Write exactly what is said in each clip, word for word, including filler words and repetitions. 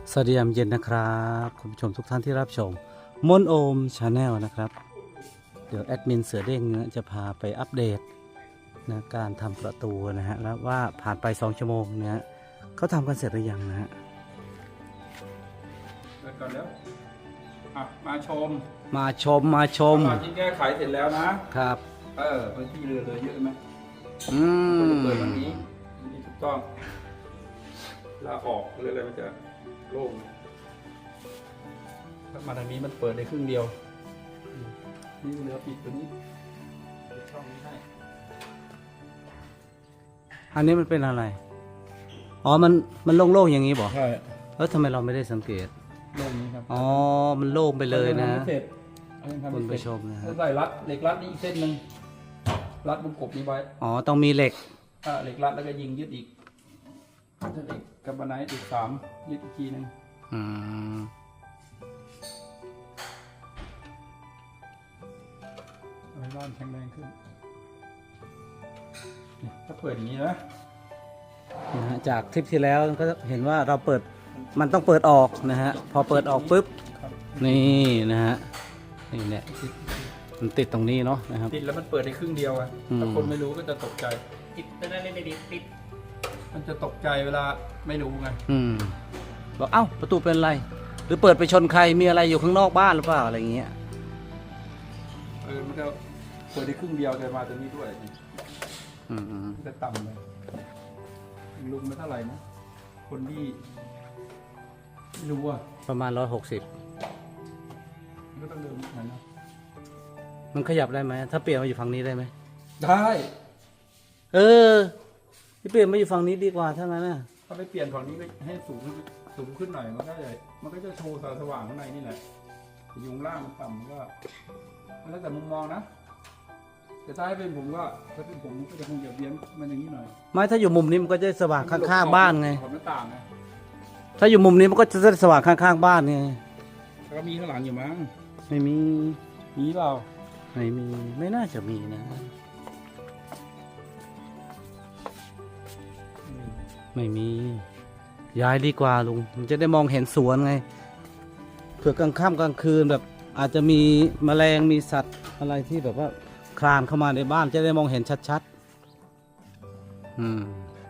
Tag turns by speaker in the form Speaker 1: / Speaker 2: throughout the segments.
Speaker 1: สวัสดียามเย็นนะครับคุณผู้ชมทุกท่านที่รับชมมนโอมชาแนลนะครับเดี๋ยวแอดมินเสือเด้งเนี่ยจะพาไปอัปเดตนะการทำประตูนะฮะแล้วว่าผ่านไปสองชั่วโมงเนี่ยเขาทำกันเสร็จหรือยังนะฮะ
Speaker 2: เกิดก่อนแล้วอ่ะมาชม
Speaker 1: มาชมมาชม
Speaker 2: ตอนที่แก้ไขเสร็จแล้วนะครับเออพื้นที่เรือเลยเยอะไหม
Speaker 1: อืม
Speaker 2: เปิดวันนี้วันนี้ถูกต้องลาออกเรืออะไรมันจะโล่งถ้ามาทางนี้มันเปิดได้ครึ่งเดียวนี่เรือปิดตัวนี้ปิดช่องนี้ให้
Speaker 1: อันนี้มันเป็นอะไรอ๋อมันมันโล่งๆอย่างนี้บอก
Speaker 2: ใช่
Speaker 1: แล้วทำไมเราไม่ได้สังเกต
Speaker 2: โล่งนี้ครับ
Speaker 1: อ๋อมันโล่งไปเลยนะ
Speaker 2: อางทำไม่เสร็จเอายังทำ
Speaker 1: คุณ
Speaker 2: ไม่
Speaker 1: ผู้
Speaker 2: เส
Speaker 1: ช
Speaker 2: ร็จ
Speaker 1: มนะฮะ
Speaker 2: แล้วใส่รัดเหล็กรัดนี่อีกเส้นหนึ่งรัดวงกบนี้ไว้
Speaker 1: อ๋อต้องมีเหล็ก
Speaker 2: อ่าเหล็กรัดแล้วก็ยิงยึดอีกถ้าเหล็กกับบาไนท์อีกสามยึดอีกทีหนึง
Speaker 1: อืม
Speaker 2: เอาให้บ้านแข็งแรงขึ้นนี่ถ้าเปิดอย่างนี้นะ
Speaker 1: นะฮะจากคลิปที่แล้วก็เห็นว่าเราเปิดมันต้องเปิดออกนะฮะพอเปิดออกปุ๊บ
Speaker 2: ครับ
Speaker 1: นี่นะฮะนี่เนี่ยมันติดตรงนี้เนาะนะครับ
Speaker 2: ติดแล้วมันเปิดได้ครึ่งเดียวอะ
Speaker 1: อืม
Speaker 2: ถ้าคนไม่รู้ก็จะตกใจ
Speaker 3: ติดตอนนั้นไม่ได้ติด
Speaker 2: มันจะตกใจเวลาไม่รู้ไง
Speaker 1: อืมบอกเอ้าประตูเป็นอะไร หรือเปิดไปชนใครมีอะไรอยู่ข้างนอกบ้านหรือเปล่าอะไรอย่างเงี้ย
Speaker 2: เออมันจะเปิดได้ครึ่งเดียวแต่มาตัวนี้ด้วยนี่
Speaker 1: อืมอืม
Speaker 2: มันจะต่ำเลยลุงไม่เท่าไหร่นะคนที่ไม่รู้อะ
Speaker 1: ประมาณร้อยหกสิบ
Speaker 2: มันก็ต้องเดินเหมือนนะ
Speaker 1: มันขยับได้ไหมถ้าเปลี่ยนมาอยู่ฝั่งนี้ได้ไหม
Speaker 2: ได้
Speaker 1: เออที่เปลี่ยนมาอยู่ฝั่งนี้ดีกว่าถ้างั้นน่ะ
Speaker 2: ถ้าไม่เปลี่ยนฝั่งนี้ก็ให้สูงขึ้นสูงขึ้นหน่อยมันก็จะมันก็จะโชว์แสงสว่างข้างในนี่แหละยุงล่างมันต่ำก็มันแล้วแต่มุมมองนะแต่ถ้าให้เป็นผมก็ถ้าเป็นผมก็จะคงจะเบี้ยนมันอย่างนี้หน่อย
Speaker 1: ไม่ถ้าอยู่มุมนี้มันก็จะสว่างข้างๆบ้านไง
Speaker 2: ขอบหน้าต่างไง
Speaker 1: ถ้าอยู่มุมนี้มันก็จะสว่างข้างๆบ้านไง
Speaker 2: แล้วก็มีข้างหลังอยู่มั้ง
Speaker 1: ไม่มี
Speaker 2: มีเปล่า
Speaker 1: ไม่มีไม่น่าจะมีนะ
Speaker 2: อืม
Speaker 1: ไม่มีย้ายดีกว่าลุงมันจะได้มองเห็นสวนไงเผื่อกลางค่ำกลางคืนแบบอาจจะมีแมลงมีสัตว์อะไรที่แบบว่าคลานเข้ามาในบ้านจะได้มองเห็นชัดๆอืม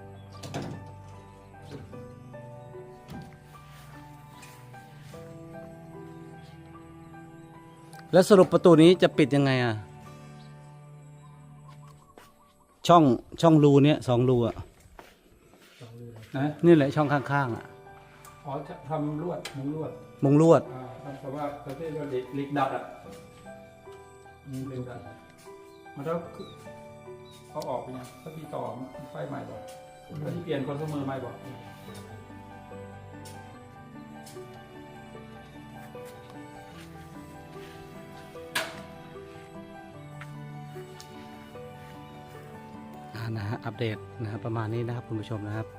Speaker 1: แล้วสรุปประตูนี้จะปิดยังไงอ่ะช่องช่องรูเนี้ยสองรูอ่ะ
Speaker 2: นะ
Speaker 1: นี่แหละช่องข้างๆอ่ะ
Speaker 2: อ๋อจะทำลวดมุงลวด
Speaker 1: มุงลวด
Speaker 2: อ่าทำแต่ว่าประเภทว่าเหล็กเหล็กดัดอ่ะมีเหล็กดัดมันต้องเขาออกไปยังถ้าพี่ต่อมันไฟใหม่บอกถ้าที่เปลี่ยนคอนซูเมอร์ใหม่บอก
Speaker 1: อ่านะฮะอัปเดตนะครับประมาณนี้นะครับคุณผู้ชมนะครับ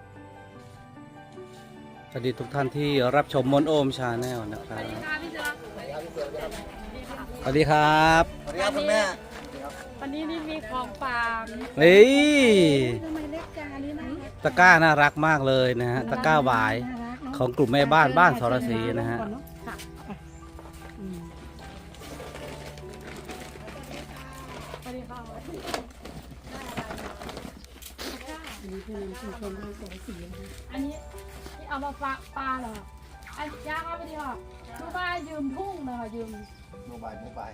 Speaker 1: สวัสดีทุกท่านที่รับชมมนโอมชาแนลนะครับสวัสดีครับ
Speaker 4: สวัสดีครับคุณแม่
Speaker 5: วันนี้นี่มีของฝาก
Speaker 1: เฮ้ย
Speaker 5: ทำไมเล็กจังอันนี้นะ
Speaker 1: ตะกร้าน่ารักมากเลยนะฮะตะกร้าหวายของกลุ่มแม่บ้านบ้านสรศรีนะฮะ
Speaker 5: ค่ะอืมสวัสดีค่ะอันนี้คือชุมชนบ้านสรศรีนะคะอันนี้ที่เอามาฝากปลาเหรออันย่างเอาไปดีค่ะลูกบ้านยืมทุ่งเลยค่ะยืม
Speaker 4: โมบายโมบาย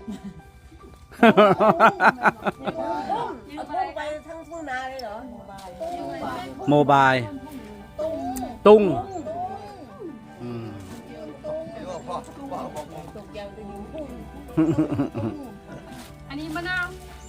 Speaker 5: ยืม
Speaker 6: เอา
Speaker 5: อะไร
Speaker 6: พุ่งไปทั้งทุ่งนาเลยเหรอ
Speaker 1: โมบาย
Speaker 6: ตุ้ง
Speaker 1: ตุ้งอืม
Speaker 4: เดี๋ยวพ่อพ่อบอกผม
Speaker 6: ตกยาวจะอยู่พุ่ง
Speaker 5: อันนี้มะนาว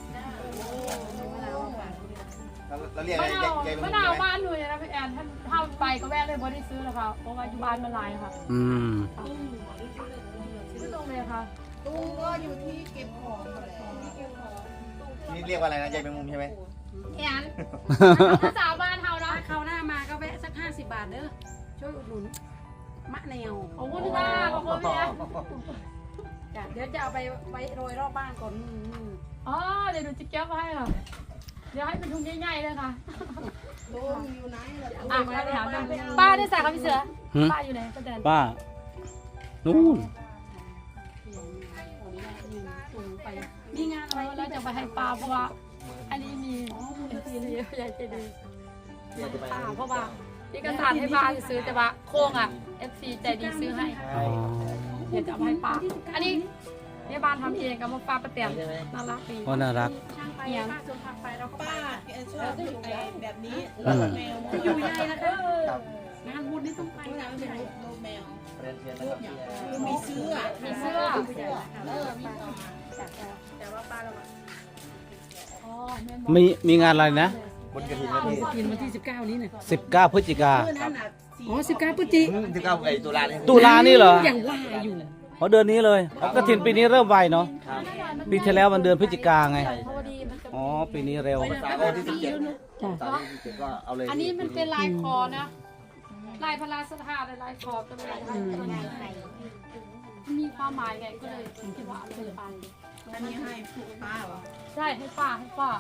Speaker 4: แล้วเรียก
Speaker 5: มะ
Speaker 4: อะไร
Speaker 5: นาว
Speaker 4: ยาย
Speaker 5: มะนาวบ้านหนูนะพี่แอนท่านถ้าไปก็แวะเลยบ่ได้ซื้อแล้วค่ะเพราะว่าอยู่บ้านมันหลายค่ะ
Speaker 1: อืม
Speaker 5: ซื้อตรงเลยค่ะ
Speaker 6: ตุ้งก็อยู่ที่เก็บของแหละ
Speaker 4: นี่เรียกว่าอะไรนะยายแมงมุมใช่ไหม
Speaker 5: แอนภาษาบ้านเฮาเนาะ
Speaker 6: ถ้าเขาวหน้ามาก็แวะสักห้าสิบบาทเด้อ ช่วยอุดหนุนมะแนว
Speaker 5: ขอบคุณค่ะขอบคุณพี่แอน
Speaker 6: จ้ะเดี๋ยวจะเอาไปไว้โรยรอบบ้านก่อนนี่นี่
Speaker 5: อ๋อเดี๋ยวหนูจะแก้วมาให้ค่ะเดี๋ยวให้เป็นถุงใหญ่ๆเลยค่ะอ่ะไปถามดูป้าได้สั่งกับพี่เสือ
Speaker 1: หืม
Speaker 5: ป้าอยู่ไหนป้าแตน
Speaker 1: ป้านู่น
Speaker 5: มีงานอะไรแล้วจะไปให้ป้าเพราะว่า อันนี้มีเอฟซีเยอะใหญ่ใจดีป้าเพราะว่าที่กระสานให้ป้าซื้อแต่ว่าโค้งอ่ะเอฟซีใจดีซื้อให้
Speaker 1: อ๋อ
Speaker 5: เดี๋ยวจะเอาให้ป้าอันนี้แม่บ้านทำเองกับมาป้าป้าแตนน่ารักดี
Speaker 1: ก็น่ารัก
Speaker 5: เนี่ยป้าชวนพาไปเราก็ไป
Speaker 7: ป้าแกชอบอยู่แบบนี้
Speaker 1: อืม
Speaker 7: แมว
Speaker 5: อยู่ใหญ่นะคะงานบุญนี่ต้องไป
Speaker 7: น้ำเป็นรูปแมว
Speaker 4: เรียนเรียนนะครับ
Speaker 7: คือมีเสื้อ
Speaker 5: มีเสื้อ
Speaker 7: เออมีต่อ
Speaker 5: แต่ว่าป้าเราอ๋อแม่
Speaker 1: มีมีงานอะไรนะ
Speaker 4: บนกระถิ่นนะพี่
Speaker 6: กินวันที่สิบเก้านี้น่ะ
Speaker 1: สิบเก้าพฤศจิกา
Speaker 7: เสื้อนั่นน่ะสี
Speaker 6: อ๋อสิบเก้าพฤศจิ
Speaker 4: ถึงเก้าไอ้ตุลาเนี่ย
Speaker 1: ตุลานี่เหรอ
Speaker 6: อย่างว่าอยู่
Speaker 1: เพราะเดือนนี้เลยเพราะกระถินปีนี้เริ่มไวเนาะ
Speaker 4: ครับ
Speaker 1: ปีที่แล้วมันเดือนพฤศจิกาไง
Speaker 5: พอดีมันจะ
Speaker 1: อ๋อ ปีนี้เร็ว
Speaker 4: ภาษาวันที่สิบเจ็ด
Speaker 6: จ้ะ
Speaker 4: ภาษาที่สิบเจ็ดก็เอาเลย
Speaker 5: อันนี้มันเป็นลายคอนะ ลายพระราชทานลายคอก็เลยมันมีความหมายไงก็เลยคิดว่าเอาไป
Speaker 7: อันนี้ให้ผูกป้าเหรอ
Speaker 5: ใช่ให้ป้าให้ป้า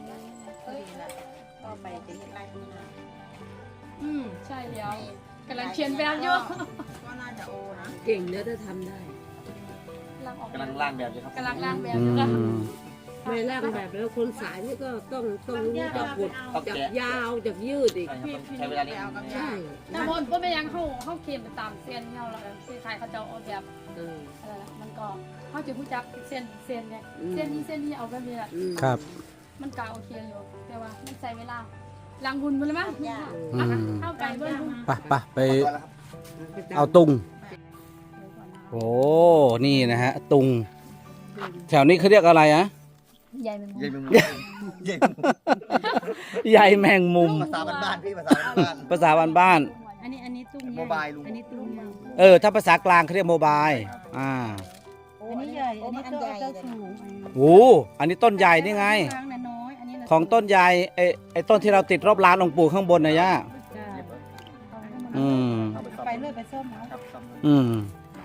Speaker 7: ก็ไปจะเห็นลายมือนะ
Speaker 5: อืมใช่เดี๋ยวกำลังเขียนแบบเยอะ
Speaker 7: ก็น่าจะโอนะ
Speaker 6: เก่งเนอะถ้าทำได้
Speaker 5: กำลังออก
Speaker 4: กำลังร่างแบบอยู่ครับ
Speaker 5: กำลังร่างแบบ
Speaker 1: อื
Speaker 5: อยู่นะ
Speaker 1: ม
Speaker 6: ไม่ร่างแบบแล้วคนสายนี่ก็ต้องต้องรู้จักกดจับยาวจับยืดอีก
Speaker 4: ใช่ครับต้องใช้เวลานิดนึง
Speaker 6: ใช่
Speaker 5: แต่บนก็ไม่ยังเข้าเข้าเขียนไปตามเส้นเงาแล้วที่ใครเขาจะเอาแบบ
Speaker 6: เออ
Speaker 5: อะไรล่ะมันก็เขาจะรู้จักเส้นเส้นเนี่ยเส้นนี้เส้นนี้เอาแบบนี้แหละ
Speaker 6: อืม
Speaker 1: ครับ
Speaker 5: มันกาโอเคอยู่แต่ว่ามันใส่เวลาลังหุ่นมันเลยมั้ย
Speaker 1: อืม
Speaker 5: เข้าไก่เบิ้ลหุ่น
Speaker 1: ไปไปไปเอาตุง โอ้ นี่นะฮะ ตุง แถวนี้เขาเรียกอะไรอะ
Speaker 5: ใหญ่เป็น
Speaker 4: ใหญ่เป็นมุมใหญ่เป็นมุม
Speaker 1: ใหญ่แมงมุม
Speaker 4: ภาษาบ้านๆพี่ภาษาบ้าน
Speaker 1: ภาษาบ้านบ้าน
Speaker 6: อันนี้อันนี้ตุ้ง
Speaker 4: โมบายลุง
Speaker 6: อันนี้ตุ้งยาว
Speaker 1: ๆเออ ถ้าภาษากลางเขาเรียกโมบาย อ่า
Speaker 6: อันนี้ใหญ่อันนี้ก็จะสูง
Speaker 1: โอ้อันนี้ต้นใหญ่นี่ไง
Speaker 6: กลางน่ะน้อยอันนี้น่ะ
Speaker 1: ของต้นใหญ่ไอ้ไอ้ต้นที่เราติดรอบร้านองค์ปู่ข้างบนนะย่า
Speaker 6: จ้ะ
Speaker 1: อืม
Speaker 4: เอาไปซ่อม
Speaker 6: ไปเรื่อยไปส้มเอา
Speaker 4: ครับซ่อมเลย
Speaker 1: อืม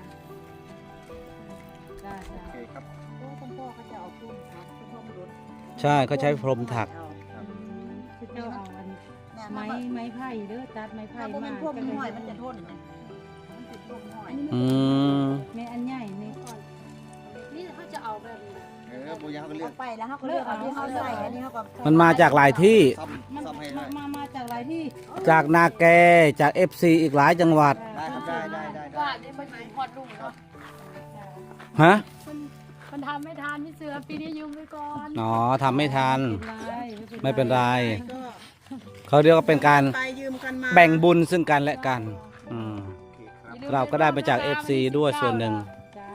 Speaker 6: จ้ะ
Speaker 4: โอ
Speaker 6: จ้ะ
Speaker 4: เคครับ
Speaker 6: คุณพ่อเขาจะเอาตุ้งถักตุ้งรถ
Speaker 1: ใช่เขาใช้พรมถัก
Speaker 6: คือเจ้าเอาอันไม้ไม้ไผ่เด้อตัดไม้ไผ่
Speaker 7: ถ้าพวก
Speaker 6: มา
Speaker 7: มันพวกมันห้อยมันจะทนนะมันติดลมห้อย
Speaker 1: อืม
Speaker 6: แม่อันใหญ่นี่
Speaker 5: นี่เขาจะเอาแบบนี้
Speaker 4: เออปูยาเขาก็เลือก
Speaker 7: ไปแล้วเขาก็เลือกเอาที่เขาใส่อันนี้เขาก็
Speaker 1: มันมาจากหลายที่
Speaker 4: ซ่อม
Speaker 6: มัน
Speaker 4: ซ่อมให้
Speaker 6: มา
Speaker 4: ได้
Speaker 6: มามาจากหลายที่
Speaker 1: จากนาแก จากเอฟซีอีกหลายจังหวัด
Speaker 4: ได้ครับได้ได้ได้ได้
Speaker 5: ว่านี่มันถึงพอดลุงเนาะ
Speaker 1: ฮะ
Speaker 5: มันมันทำไม่ทันพี่เสือปีนี้ยืมไปก่อน
Speaker 1: อ๋อทำไม่ทัน
Speaker 6: ไม่เป็นไร
Speaker 1: ไม่เป็นไร
Speaker 7: ก็
Speaker 1: เขาเรียกว่าเป็นการ
Speaker 7: ไปยืมกันมา
Speaker 1: แบ่งบุญซึ่งกันและกัน อืม
Speaker 4: โอเคครับ
Speaker 1: เราก็ได้มาจาก เอฟ ซี ด้วยส่วนหนึ่ง
Speaker 6: จ้า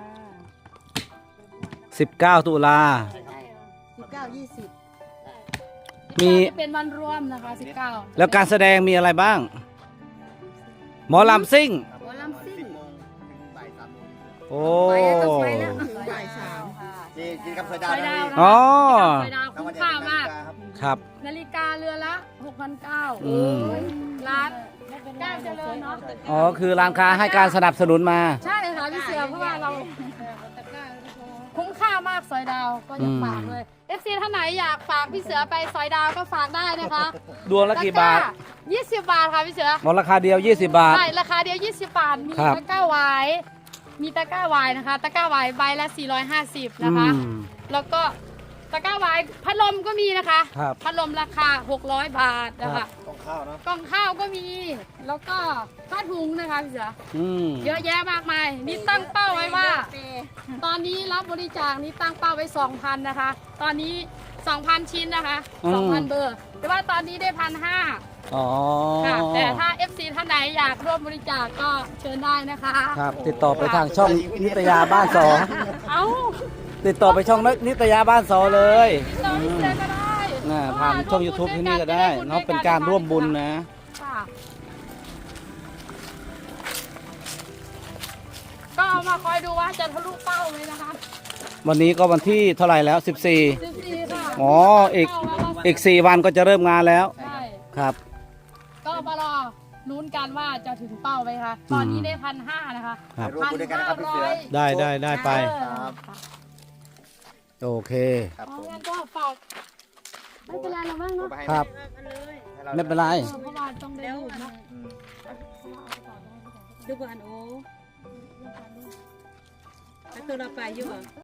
Speaker 1: สิบเก้า ตุลา
Speaker 7: สิบเก้ายี่สิบ
Speaker 1: มี
Speaker 5: จะเป็นวันรวมนะคะสิบเก้า
Speaker 1: แล้วการแสดงมีอะไรบ้าง หมอลำซิ่ง
Speaker 5: หมอลำซิ่ง
Speaker 4: สิบโมงถึงบ่ายสามโมง
Speaker 1: โอ้
Speaker 7: ถึงบ่ายสาม
Speaker 4: จีกินกับไฟดา
Speaker 5: ไฟ
Speaker 4: ว
Speaker 5: ดาว
Speaker 4: นะ
Speaker 5: นะ
Speaker 1: อ๋อ
Speaker 5: ไฟดาวคุ้มค่ามาก
Speaker 1: ครับ
Speaker 5: นาฬิกาเรือละหกพันเก้า
Speaker 1: อืม
Speaker 5: ร้านก้าวเจริญเนาะ
Speaker 1: อ๋อ คือร้านค้าให้การสนับสนุนมา
Speaker 5: ใช่ค่ะพี่เสือเพราะว่าเราคุ้มค่ามากซอยดาวก็อยากฝากเลย เอฟ ซี ท่านไหนอยากฝากพี่เสือไปซอยดาวก็ฝากได้นะคะ
Speaker 1: ดวงละกี่บาท
Speaker 5: ยี่สิบบาทค่ะพี่เสือ
Speaker 1: หมดราคาเดียว ยี่สิบบาท
Speaker 5: ใช่ราคาเดียวยี่สิบบาท มี
Speaker 1: ครับ
Speaker 5: ตะกร้าไวายมีตะกร้าไวายนะคะ ตะกร้าไวายใบละสี่ร้อยห้าสิบ
Speaker 1: อื
Speaker 5: นะคะ
Speaker 1: ม
Speaker 5: แล้วก็ตะกร้าไวายพัดลมก็มีนะคะ
Speaker 1: ครับ
Speaker 5: พัดลมราคาหกร้อยบาทนะ
Speaker 1: ครั
Speaker 5: คะ
Speaker 1: บ
Speaker 4: ต้องข้าวเนาะ
Speaker 5: กล่องข้าวก็มี แล้วก็ผ้าถุงนะคะพี่เสือ
Speaker 1: อืม
Speaker 5: เยอะแยะมากมาย นี่ตั้งเป้าไว้ว่า ตอนนี้รับบริจาคนี่ตั้งเป้าไว้สองพันนะคะ ตอนนี้สองพันชิ้นนะคะสองพันเบอร์ แต่ว่าตอนนี้ได้พันห้า
Speaker 1: อ๋อ
Speaker 5: ค่ะ แต่ถ้า เอฟ ซี ท่านไหนอยากร่วมบริจาคก็เชิญได้นะคะ
Speaker 1: ครับ ติดต่อไปทางช่องนิตยาบ้านสอง
Speaker 5: เอ้า
Speaker 1: ติดต่อไปช่องนิตยาบ้านสองเลย
Speaker 5: ติดต่อพี่เสือก็ได้
Speaker 1: น่าผ่านช่อง YouTube ที่นี่ก็ได้เนาะเป็นการร่วมบุญนะ
Speaker 5: ค่ะก็เอามาคอยดูว่าจะทะลุเป้าเลยนะคะ
Speaker 1: วันนี้ก็วันที่เท่าไหร่แล้ว สิบสี่
Speaker 5: สิบสี่ค่ะ
Speaker 1: อ๋ออีก
Speaker 5: เป้าแล้วเรา
Speaker 1: อีกสี่วันก็จะเริ่มงานแล้ว
Speaker 5: ใช่
Speaker 1: ครับ
Speaker 5: ก็มารอลุ้นกันว่าจะถึงเป้าไหมคะ ตอนนี้ได้พันห้านะคะ
Speaker 1: ครับ
Speaker 4: ร่วมบุญด้วยกันนะครับพี่เสือ
Speaker 1: ได้ได้ได้ไป
Speaker 4: ครับ
Speaker 1: โอเค
Speaker 4: ครับ
Speaker 5: เพ
Speaker 4: ผ
Speaker 5: ราะ
Speaker 4: ม
Speaker 5: งั้นก็ฝากไม่เป็นไรเราบ้างเนาะ
Speaker 1: ครับ ไม่เป็นไร
Speaker 5: เออเพราะว่าต้องได้รูปเนาะ
Speaker 6: ดูก่อนโอ้ไปตัวเราไปอยู่บ่